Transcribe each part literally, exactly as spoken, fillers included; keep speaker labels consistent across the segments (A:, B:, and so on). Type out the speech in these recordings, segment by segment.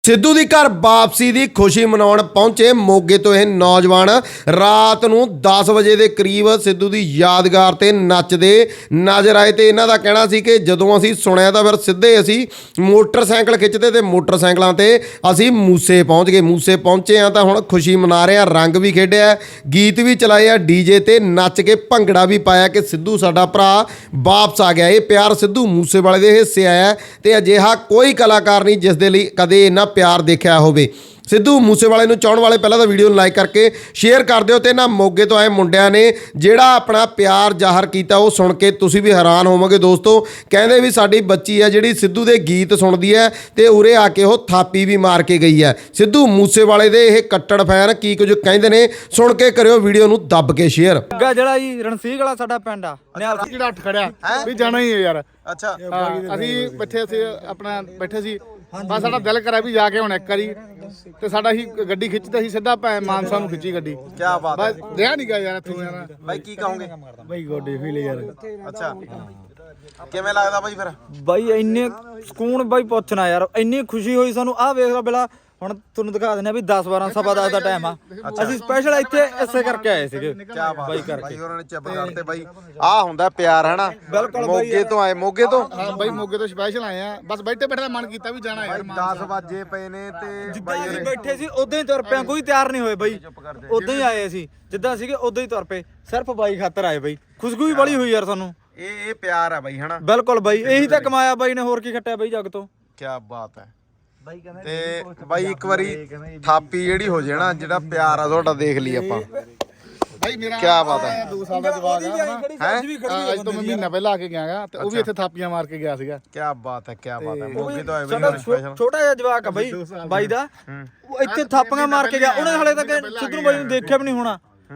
A: ਸਿੱਧੂ ਦੀ ਘਰ ਵਾਪਸੀ ਦੀ ਖੁਸ਼ੀ ਮਨਾਉਣ ਪਹੁੰਚੇ ਮੋਗੇ ਤੋਂ ਇਹ ਨੌਜਵਾਨ ਰਾਤ ਨੂੰ ਦਸ ਵਜੇ ਦੇ ਕਰੀਬ ਸਿੱਧੂ ਦੀ ਯਾਦਗਾਰ ਤੇ ਨੱਚਦੇ ਨਜ਼ਰ ਆਏ ਤੇ ਇਹਨਾਂ ਦਾ ਕਹਿਣਾ ਸੀ ਕਿ ਜਦੋਂ ਅਸੀਂ ਸੁਣਿਆ ਤਾਂ ਫਿਰ ਸਿੱਧੇ ਅਸੀਂ ਮੋਟਰਸਾਈਕਲ ਖਿੱਚਦੇ ਤੇ ਮੋਟਰਸਾਈਕਲਾਂ ਤੇ ਅਸੀਂ ਮੂਸੇ ਪਹੁੰਚ ਗਏ। ਮੂਸੇ ਪਹੁੰਚੇ ਆ ਤਾਂ ਹੁਣ ਖੁਸ਼ੀ ਮਨਾ ਰਹੇ ਆ, ਰੰਗ ਵੀ ਖੇਡਿਆ, ਗੀਤ ਵੀ ਚਲਾਏ ਆ, ਡੀਜੇ ਤੇ ਨੱਚ ਕੇ ਭੰਗੜਾ ਵੀ ਪਾਇਆ ਕਿ ਸਿੱਧੂ ਸਾਡਾ ਭਰਾ ਵਾਪਸ ਆ ਗਿਆ। ਇਹ ਪਿਆਰ ਸਿੱਧੂ ਮੂਸੇਵਾਲੇ ਦੇ ਹਿੱਸੇ ਆਇਆ ਤੇ ਅਜਿਹਾ ਕੋਈ ਕਲਾਕਾਰ ਨਹੀਂ ਜਿਸ ਦੇ ਲਈ ਕਦੇ ਇਹਨਾਂ ਪਿਆਰ ਦੇਖਿਆ ਹੋਵੇ। ਸਿੱਧੂ ਮੂਸੇਵਾਲੇ ਨੂੰ ਚਾਹਣ ਵਾਲੇ ਪਹਿਲਾਂ ਤਾਂ ਵੀਡੀਓ ਨੂੰ ਲਾਈਕ ਕਰਕੇ ਸ਼ੇਅਰ ਕਰ ਦਿਓ ਤੇ ਨਾ ਮੋਗੇ ਤੋਂ ਆਏ ਮੁੰਡਿਆਂ ਨੇ ਜਿਹੜਾ ਆਪਣਾ ਪਿਆਰ ਜ਼ਾਹਰ ਕੀਤਾ ਉਹ ਸੁਣ ਕੇ ਤੁਸੀਂ ਵੀ ਹੈਰਾਨ ਹੋਵੋਗੇ ਦੋਸਤੋ। ਕਹਿੰਦੇ ਵੀ ਸਾਡੀ ਬੱਚੀ ਹੈ ਜਿਹੜੀ ਸਿੱਧੂ ਦੇ ਗੀਤ ਸੁਣਦੀ ਹੈ ਤੇ ਉਰੇ ਆ ਕੇ ਉਹ ਥਾਪੀ ਵੀ ਮਾਰ ਕੇ ਗਈ ਹੈ। ਸਿੱਧੂ ਮੂਸੇਵਾਲੇ ਦੇ ਇਹ ਕੱਟੜ ਫੈਨ ਕੀ ਕੁਝ ਕਹਿੰਦੇ ਨੇ ਸੁਣ ਕੇ ਕਰਿਓ ਵੀਡੀਓ ਨੂੰ ਦੱਬ ਕੇ ਸ਼ੇਅਰ।
B: ਜਿਹੜਾ ਜੀ ਰਣਸੀਂਹ ਵਾਲਾ ਸਾਡਾ ਪਿੰਡ ਆ ਨਿਹਾਲ
C: ਜਿਹੜਾ ਉੱਠ ਖੜਿਆ ਵੀ ਜਾਣਾ ਹੀ ਹੈ ਯਾਰ।
A: ਅੱਛਾ
C: ਅਸੀਂ ਬੈਠੇ ਸੀ ਆਪਣਾ ਬੈਠੇ ਸੀ ਬਸ ਸਾਡਾ ਦਿਲ ਕਰਿਆ ਵੀ ਜਾ ਕੇ ਹੁਣ ਇੱਕ ਵਾਰੀ ਤੇ ਸਾਡਾ ਹੀ ਗੱਡੀ ਖਿੱਚਦੇ ਸੀ ਸਿੱਧਾ ਭੈ ਮਾਨਸਾ ਨੂੰ ਖਿੱਚੀ ਗੱਡੀ।
A: ਕੀ ਬਾਤ ਹੈ
C: ਬਸ ਰਿਹਾ ਨਹੀਂ ਗਾ ਯਾਰ ਇੱਥੋਂ ਯਾਰ।
A: ਬਾਈ ਕੀ ਕਹੋਗੇ?
C: ਬਾਈ ਗੋਡੇ ਫੀਲ ਯਾਰ।
A: ਅੱਛਾ ਕਿਵੇਂ ਲੱਗਦਾ ਬਾਈ ਫਿਰ?
B: ਬਾਈ ਇੰਨੇ ਸਕੂਨ ਬਾਈ ਪੁੱਛਣਾ ਯਾਰ, ਇੰਨੀ ਖੁਸ਼ੀ ਹੋਈ ਸਾਨੂੰ। ਆਹ ਵੇਖ ਲਓ ਬਿਲਾ ਹੁਣ ਤੁਹਾਨੂੰ ਦਿਖਾ ਦਿੰਦੇ ਆ ਵੀ ਦਸ ਬਾਰਾਂ ਸਵਾ ਦਸ ਦਾ ਟਾਈਮ ਆ। ਅਸੀਂ ਸਪੈਸ਼ਲ ਇੱਥੇ ਇਸੇ ਕਰਕੇ ਆਏ ਸੀਗੇ ਬਾਈ ਕਰਕੇ।
A: ਬਾਈ ਹੋਰਾਂ ਨੇ ਚਿੱਪ ਕਰਤੇ ਬਾਈ। ਆਹ ਹੁੰਦਾ ਪਿਆਰ ਹੈ ਨਾ। ਮੋਗੇ ਤੋਂ ਆਏ, ਮੋਗੇ ਤੋਂ
C: ਹਾਂ ਬਾਈ ਮੋਗੇ ਤੋਂ ਸਪੈਸ਼ਲ ਆਏ ਆ। ਬਸ ਬੈਠੇ ਬੈਠੇ ਦਾ ਮਨ ਕੀਤਾ ਵੀ ਜਾਣਾ ਯਾਰ।
A: ਦਸ ਵਜੇ ਪਏ ਨੇ ਤੇ
B: ਜਿੱਦਾਂ ਅਸੀਂ ਬੈਠੇ ਸੀ ਉਦਾਂ ਹੀ ਤੁਰ ਪਿਆ, ਕੋਈ ਤਿਆਰ ਨਹੀਂ ਹੋਏ ਬਾਈ। ਉਦਾਂ ਹੀ ਆਏ ਅਸੀਂ ਜਿੱਦਾਂ ਸੀਗੇ ਉਦਾਂ ਹੀ ਤੁਰ ਪਏ, ਸਿਰਫ ਬਾਈ ਖਾਤਰ ਆਏ ਬਾਈ। ਖੁਸ਼ਬੂ ਵੀ ਬੜੀ ਹੋਈ ਯਾਰ ਸਾਨੂੰ।
A: ਇਹ ਇਹ ਪਿਆਰ ਹੈ ਬਾਈ ਹਨਾ।
B: ਬਿਲਕੁਲ ਬਾਈ, ਇਹੀ ਤਾਂ ਕਮਾਇਆ ਬਾਈ ਨੇ, ਹੋਰ ਕੀ ਖੱਟਿਆ ਬਾਈ ਜੱਗ ਤੋਂ।
A: ਕੀ ਬਾਤ ਹੈ। ਤੇ ਬਾਈ ਇੱਕ ਵਾਰੀ ਥਾਪੀ ਜਿਹੜੀ ਹੋ ਜੇ ਨਾ, ਜਿਹੜਾ ਪਿਆਰ ਆ ਤੁਹਾਡਾ ਦੇਖ ਲਈ ਆਪਾਂ।
C: ਬਾਈ ਮੇਰਾ
A: ਕੀ ਬਾਤ ਹੈ।
C: ਦੋ ਸਾਲ ਦਾ ਜਵਾਕ ਆ ਹੈ। ਅੱਜ ਤੋਂ ਮੈਂ ਮਹੀਨਾ ਪਹਿਲਾਂ ਆ ਕੇ ਗਿਆਗਾ ਤੇ ਉਹ ਵੀ ਇੱਥੇ ਥਾਪੀਆਂ ਮਾਰ ਕੇ ਗਿਆ ਸੀਗਾ।
A: ਕੀ ਬਾਤ ਹੈ, ਕੀ ਬਾਤ ਹੈ। ਮੋਗੇ ਤੋਂ ਆਏ
B: ਸਾਡਾ
A: ਬਾਈ ਸਪੈਸ਼ਲ।
B: ਛੋਟਾ ਜਿਹਾ ਜਵਾਕ ਆ ਬਾਈ ਬਾਈ ਦਾ, ਉਹ ਇੱਥੇ ਥਾਪੀਆਂ ਮਾਰ ਕੇ ਗਿਆ। ਉਹਨੇ ਹਲੇ ਤੱਕ ਸਿੱਧੂ ਬਾਈ ਨੂੰ ਦੇਖਿਆ ਵੀ ਨਹੀਂ ਹੋਣਾ।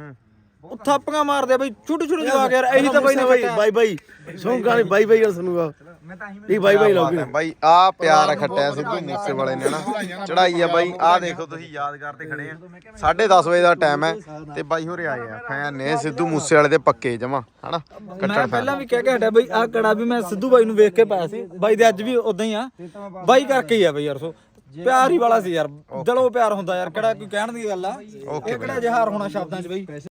B: ਉਹ ਥਾਪੀਆਂ ਮਾਰਦੇ ਬਾਈ, ਛੋਟੇ ਛੋਟੇ ਜਵਾਕ ਯਾਰ। ਇਹੀ ਤਾਂ ਬਾਈ ਨੇ
D: ਬਾਈ ਬਾਈ ਸੌਂਗਾ ਨਹੀਂ ਬਾਈ ਬਾਈ ਗੱਲ ਸੁਣੂਗਾ ਇਹ ਬਾਈ ਬਾਈ ਲੋਗੀ
A: ਬਾਈ। ਆ ਪਿਆਰ ਖੱਟਿਆ ਸਿੱਧੂ ਮੂਸੇਵਾਲੇ ਨੇ ਨਾ, ਚੜਾਈ ਆ ਬਾਈ। ਆ ਦੇਖੋ ਤੁਸੀਂ ਯਾਦਗਾਰ ਤੇ ਖੜੇ ਆ, ਸਾਢੇ ਦਸ ਵਜੇ ਦਾ ਟਾਈਮ ਹੈ ਤੇ ਬਾਈ ਹੋਰੇ ਆਏ ਆ ਫੈਨ ਨੇ ਸਿੱਧੂ ਮੂਸੇਵਾਲੇ ਦੇ ਪੱਕੇ ਜਮਾ ਹਨਾ।
B: ਮੈਂ ਪਹਿਲਾਂ ਵੀ ਕਹਿ ਕੇ ਹਟਿਆ ਬਾਈ, ਆਹ ਕੜਾ ਵੀ ਮੈਂ ਸਿੱਧੂ ਬਾਈ ਨੂੰ ਵੇਖ ਕੇ ਪਾਇਆ ਸੀ ਬਾਈ ਦੇ, ਅੱਜ ਵੀ ਉਦਾਂ ਹੀ ਆ ਬਾਈ ਕਰਕੇ ਹੀ ਆ ਬਾਈ ਯਾਰ। ਸੋ ਪਿਆਰ ਹੀ ਵਾਲਾ ਸੀ ਯਾਰ, ਦਿਲੋਂ ਪਿਆਰ ਹੁੰਦਾ ਯਾਰ, ਕਿਹੜਾ ਕੋਈ ਕਹਿਣ ਦੀ ਗੱਲ ਆ। ਇਹ ਕਿਹੜਾ ਜਹਾਰ ਹੋਣਾ ਸ਼ਬਦਾਂ 'ਚ ਬਾਈ।